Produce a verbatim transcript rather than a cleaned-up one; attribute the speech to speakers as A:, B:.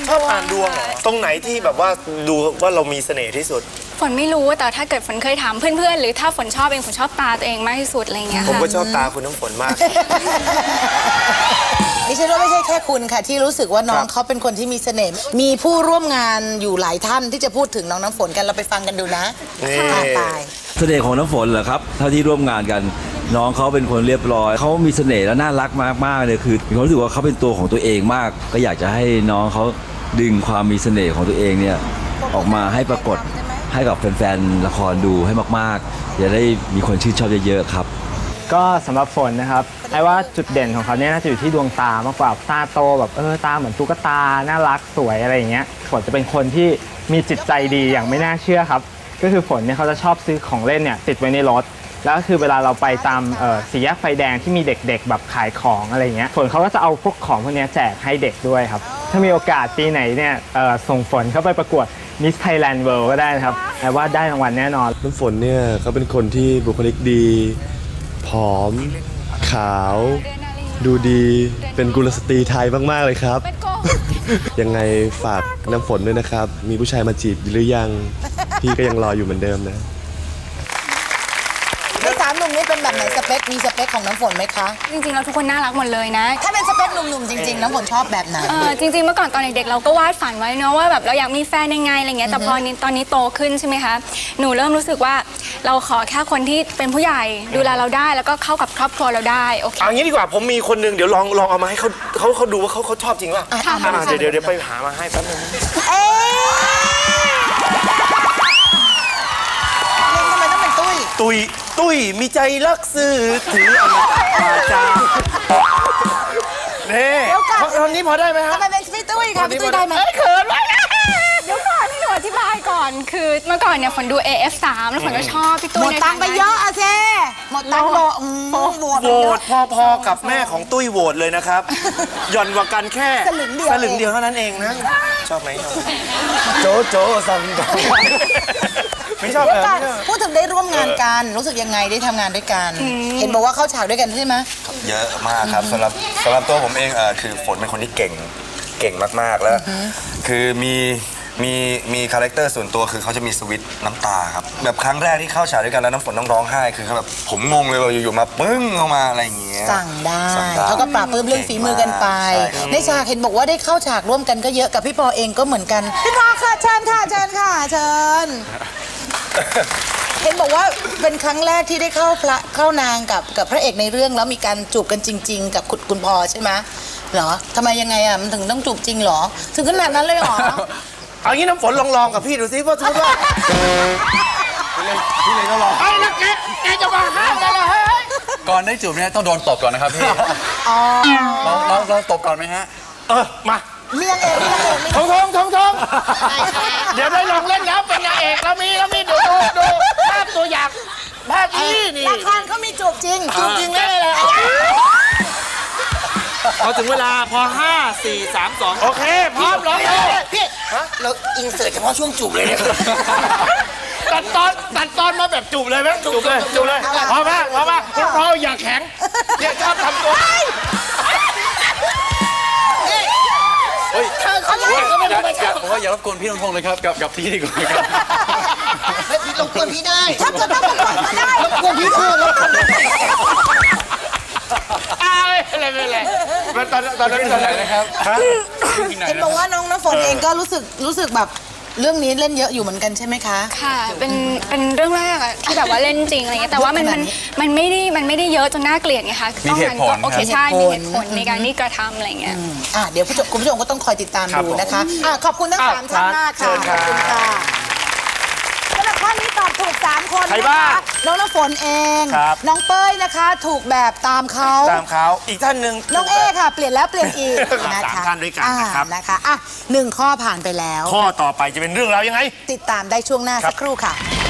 A: ชอบอ่านดวงเหรอตรงไหนที่แบบว่าดูว่าเรามีเสน่ห์ที่สุด
B: ฝนไม่รู้แต่ถ้าเกิดฝนเคยถามเพื่อนๆหรือถ้าฝนชอบเองฝนชอบตาตัวเองมากที่สุดอะไรเงี้ยค่ะ
A: ผมก็ชอบตาคุณน้ำฝนมาก
C: ดิฉันว่าไม่ใช่แค่คุณค่ะที่รู้สึกว่าน้องเขาเป็นคนที่มีเสน่ห์มีผู้ร่วมงานอยู่หลายท่านที่จะพูดถึงน้องน้ำฝนกันเราไปฟังกันดูนะค่ะไป
D: เสน่ห์ของน้ำฝนเหรอครับเท่าที่ร่วมงานกันน้องเขาเป็นคนเรียบร้อยเขามีเสน่ห์และน่ารักมากๆเลยคือมีความรู้สึกว่าเขาเป็นตัวของตัวเองมากก็อยากจะให้น้องเขาดึงความมีเสน่ห์ของตัวเองเนี่ยออกมาให้ปรากฏให้กับแฟนๆละครดูให้มากๆจะได้มีคนชื่นชอบเยอะๆครับ
E: ก็สำหรับฝนนะครับไอ้ว่าจุดเด่นของเขาเนี่ยน่าจะอยู่ที่ดวงตามากกว่าตาโตแบบเออตาเหมือนตุ๊กตาน่ารักสวยอะไรอย่างเงี้ยฝนจะเป็นคนที่มีจิตใจดีอย่างไม่น่าเชื่อครับก็คือฝนเนี่ยเขาจะชอบซื้อของเล่นเนี่ยติดไว้ในรถแล้วก็คือเวลาเราไปตามสี่แยกไฟแดงที่มีเด็กๆแบบขายของอะไรเงี้ยฝนเขาก็จะเอาพวกของพวกนี้แจกให้เด็กด้วยครับถ้ามีโอกาสปีไหนเนี่ยส่งฝนเข้าไปประกวด Miss Thailand World ก็ได้นะครับไอ้ว่าได้รางวัลแน่นอน
F: น้ำฝนเนี่ยเขาเป็นคนที่บุคลิกดีผอมขาวดูดีเป็นกุลสตรีไทยมากๆเลยครับยังไงฝากน้ำฝนด้วยนะครับมีผู้ชายมาจีบหรือยังพี่ก็ยังรออยู่เหมือนเดิมนะ
C: ในสามหนุ่มนี้เป็นแบบไหนสเปคมีสเปคของน้ำฝนไหมคะ
B: จริงๆเราทุกคนน่ารักหมดเลยนะ
C: ถ้าเป็นสเปคหนุ่มๆจริงๆน้ำฝนชอบแบบไหน
B: จริงๆเมื่อก่อนตอนเด็กๆเราก็วาดฝันไว้เนาะว่าแบบเราอยากมีแฟนยังไงอะไรเงี้ยแต่พอตอนนี้โตขึ้นใช่ไหมคะหนูเริ่มรู้สึกว่าเราขอแค่คนที่เป็นผู้ใหญ่ดูแลเราได้แล้วก็เข้ากับครอบครัวเราได้โอเค
A: เอางี้ดีกว่าผมมีคนนึงเดี๋ยวลองลองเอามาให้เขาเขาเขาดูว่าเขาเขาชอบจริงป่ะเดี๋ยวเดี๋ยวเดี๋ยวไปหามาให้แป๊บนึง
C: เอ๊ะทำไมต้องเป็นตุ้ย
A: ตุ้ยตุ้ยมีใจรักซื่อถืออมตะมาจาเนี่ยตอนนี้พอได้ไหมฮะ
C: ทำไมเป็นพี่ตุ้ยคะพี่ตุ้ยได้ไหม
A: เขินมาก
B: เดี๋ยวก่อนให้หนูอธิบายก่อนคือเมื่อก่อนเนี่ยฝนดู เอ เอฟ สามแล้วฝนก็ชอบพี่ตุ้ย
C: หมดตังค์ไปเยอะอะเซ่หมดตังค์โหวตโหวต
A: โหวตพอๆกับแม่ของตุ้ยโหวตเลยนะครับหย่อนกว่ากันแค่
C: สลึงเดียว
A: สลึงเดียวเท่านั้นเองนะชอบไหมโจโจซังไม่ชอบเลย
C: พูดถึงได้ร่วมงานกันรู้สึกยังไงได้ทำงานด้วยกันเห็นบอกว่าเข้าฉากด้วยกันใช่ไหม
G: เยอะมากครับสำหรับสำหรับตัวผมเองเออคือฝนเป็นคนที่เก่งเก่งมากๆแล้วคือมีมีมีคาแรคเตอร์ส่วนตัวคือเขาจะมีสวิตช์น้ำตาครับแบบครั้งแรกที่เข้าฉากด้วยกันแล้วน้ำฝนต้องร้องไห้คือเขาแบบผมงงเลยว่าอยู่ๆมาปึ้งเข้ามาอะไรอย่างเงี้ย
C: สั่งได้เขาก็ปราบปลื้มเรื่องฝีมือกันไปในฉากเห็นบอกว่าได้เข้าฉากร่วมกันก็เยอะกับพี่ปอเองก็เหมือนกันพี่ปอค่ะเชิญค่ะเชิญค่ะเชิญเห็นบอกว่าเป็นครั้งแรกที่ได้เข้าพระเข้านางกับกับพระเอกในเรื่องแล้วมีการจูบกันจริงๆกับคุณคุณพอใช่ไหมเหรอทำไมยังไงอ่ะมันถึงต้องจูบจริงเหรอถึงขนาดนั้นเลยเหรอ
A: เอางี้น้ำฝนลองลองกับพี่ดูซิว่าทุกว่าพี่เลยก็ลองไอ้นักแกแกจะมาห้ามได้เหรอ
H: ก่อนได้จูบเนี่ยต้องโดนตบก่อนนะครับพี่เราเราเราตบก่อนไหมฮะ
A: เออมา
C: เลี้ยงเองเลี้ยงเอง
A: ทงทงทงทงเดี๋ยวได้ลองเล่นแล้วเป็นนางเอกแล้วมีแล้วมีดูดูดูภาพตัวอย่างภาพนี้นี่
C: ละครเขามีจูบจริง
A: จูบจริงได้เลยพอถึงเวลาพอห้าสี่สามสองโอเคพร้อมร้องเลยพี่
C: เราอินเสิร์ตเฉพาะช่วงจูบเลยเนี่ย
A: ตัดตอนตัดตอนมาแบบจูบเลยไหมจูบเลยจูบเลยพอมากพอมากคุณพ่ออย่าแข็งเนี่ยชอบทำตัว
H: เธอเขาอยากก็ไม่ได้อยากผมว่าอย่ารบกวนพี่ทงเลยครับกับกับพี่ดีกว่าครับ
C: ไม่พี่รบกวนพี่ได้ถ้าเกิดต้องรบกวนไม่ได้รบกวนพี่คือรบกวน
A: อะไรไม่เลยตอนตอนนั้นตอนไหนนะครับ
C: เห็นบอกว่าน้องน้ำฝนเองก็รู้สึกรู้สึกแบบเรื่องนี้เล่นเยอะอยู่เหมือนกันใช่ไหมคะ
B: ค่ะเป็นเป็นเรื่องแรกอะที่แบบว่าเล่นจริงอะไรเงี้ยแต่ว่ามันมันมันไม่ได้มันไม่ได้เยอะจนน่าเกลียดไงคะ
H: มีเหตุผล
B: โอเคใช่มีเหตุผลในการที่กระทำอะไรเงี้ย
C: อ่ะเดี๋ยวคุณผู้ชมก็ต้องคอยติดตามดูนะคะอ่ะขอบคุณทั้งสามท่านมากค่ะขอบคุณค่ะสำหรับข้อนี้ตอบถูกสามคนนะคะน้องน้ำฝนเองน้องเป้ยนะคะถูกแบบตามเขา
A: ตามเขาอีกท่านหนึ่ง
C: น้องเอค่ะเปลี่ยนแล้วเปลี่ยนอีก
A: นะคะสามท่านด้วยกันนะครับ
C: นะคะอ่ะหนึ่งข้อผ่านไปแล้ว
A: ข้อต่อไปจะเป็นเรื่องราวยังไง
C: ติดตามได้ช่วงหน้าสักครู่ค่ะ